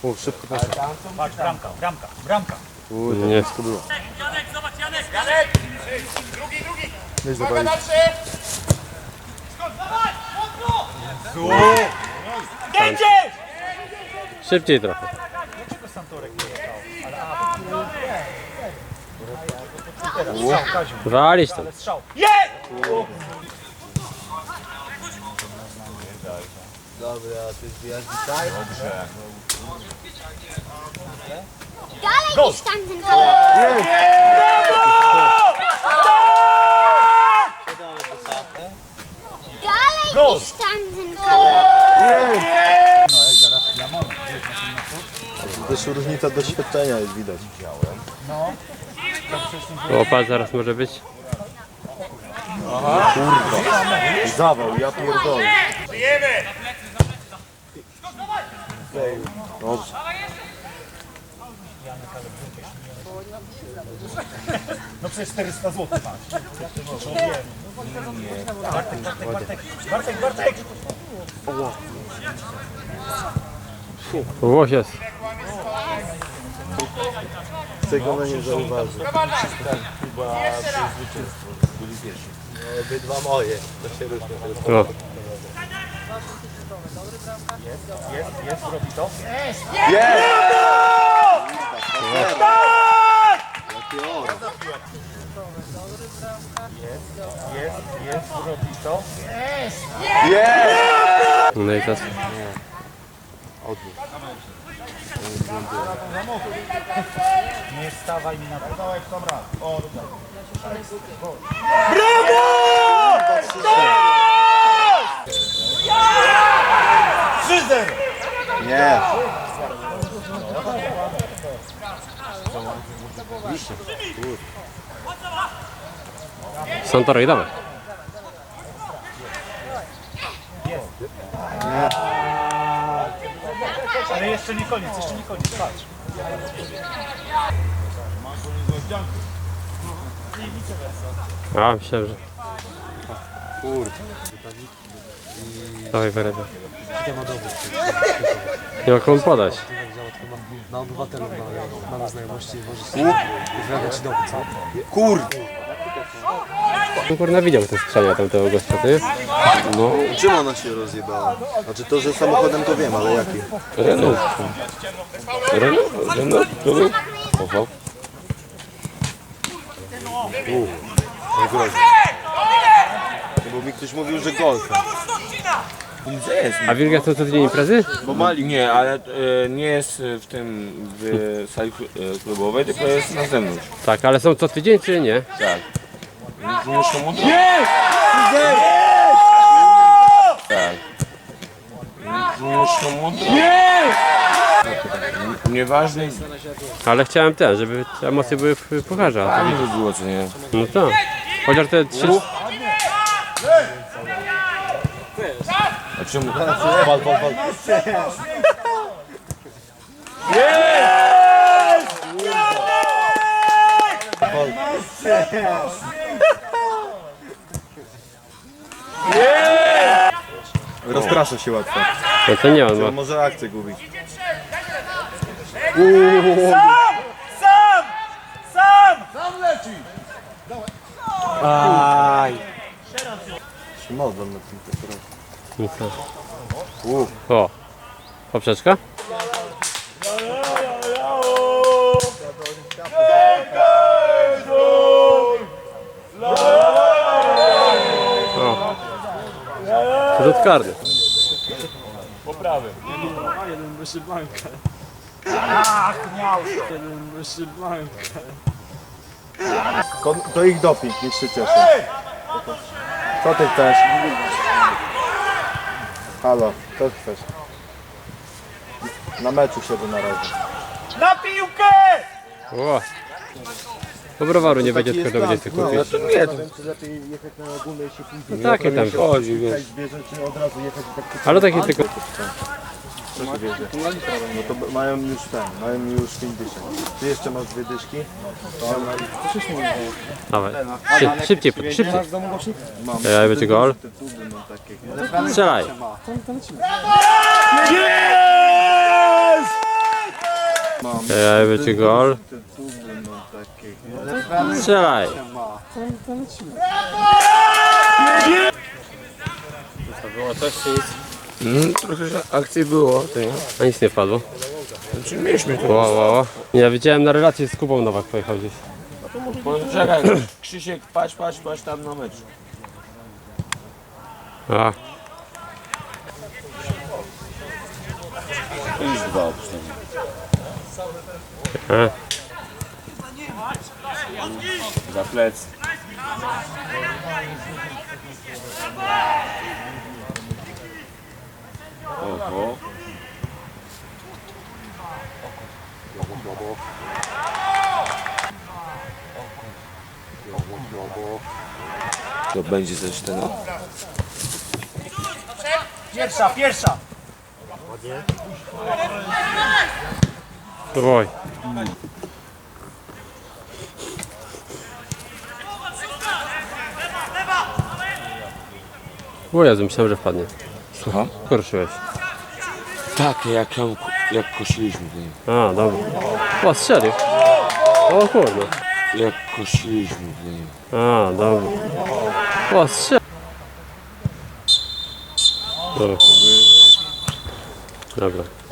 O, szybko poszło. Patrz, bramka. Nie, to było. Janek, zobacz, Janek! Drugi! Nieźle brali. Skąd, dawaj! Mocno! Jedziesz! Szybciej trochę. Dlaczego Santorek nie jechał? Ale Walić tam. strzał. Jest! Dobra, ty zbijasz dzisiaj? Dalej niż tamten kolor. Dalej niż tamten kolor. Też różnica doświadczenia jest widać. O, patrz, zaraz może być. Zawał, ja pierdolę. Dobrze. No przecież 400 zł masz. Bartek! Łoś jest. Tego mnie nie zauważy. Obydwa moje, to się różni. O. Jest, robi to. Jest, robi to. No i teraz. Nie stawaj mi na to. Nie. Santorek, dawaj. Ale jeszcze nie koniec, patrz. A, myślałem, że... Kurde. Dawaj, wyrywaj. Nie ma komu podać. Na obywatelu mamy znajomości i możesz wyrabiać ci dowód, co? Kurde. Kurna widział te strzenia tamtego gościa, ty? No. Czym ona się rozjebała? Znaczy to, że samochodem to wiem, ale jaki? Renault. Oho. Najgroźniej. Bo mi ktoś mówił, że golfem. A Wilga to co tydzień imprezy? Bo mali nie, ale nie jest w tym w sali klubowej, tylko jest na zewnątrz. Tak, ale są co tydzień czy nie? Tak. Muszą mu Tak. Muszą mu Nieważne, Ale chciałem też, żeby te emocje były w pucharze. a nie by było co nie. No tak. Chociaż te 3... A czemu? Wal. Rozprasza się łatwo. No to nie on ma. Może akcję gubić. Się modlą na tym teraz. No co? O. Poprzeczka? O. Rzut karny. Jeden wyszybanka. Jeden wyszybanka. To ich doping, niech się cieszą. Co ty chcesz? Halo, co chcesz? Na meczu siedzę na razie. Na piłkę! O. Bo browaru nie będzie, tylko to będzie tylko kupić. to nie, to lepiej jechać na ogólnej się pójdzie. No takie tam. Chodzi, wiesz. Zwierzę, czy od razu jechać i tak Ale takie tylko... Co się wiedzie? No to mają już mają już 50. Ty jeszcze masz 2 dyszki? Dawaj. Szybciej. Mam. Ja będzie gol. Te tuby mam takie. Strzelaj. Ej, będzie gol. Te cudy, no takie. Strzelaj. To było coś czy nic? Trochę akcji było, to nie? A nic nie wpadło. Znaczy mieliśmy to. Wow. Ja widziałem na relacji z Kubą Nowak pojechał gdzieś. Czekaj, Krzysiek, patrz tam na mecz. A, Już dwa przynajmniej. Za plec. Oho. To będzie coś ten. Pierwsza! oj. O Jezu, myślałem, że wpadnie. Słucham? Korszyłeś. Tak, jak kosiliśmy w nim. A, dobra. O, strzelił. O kurde. Jak kosiliśmy w nim. A, dobra. O, strzelił. Dobra.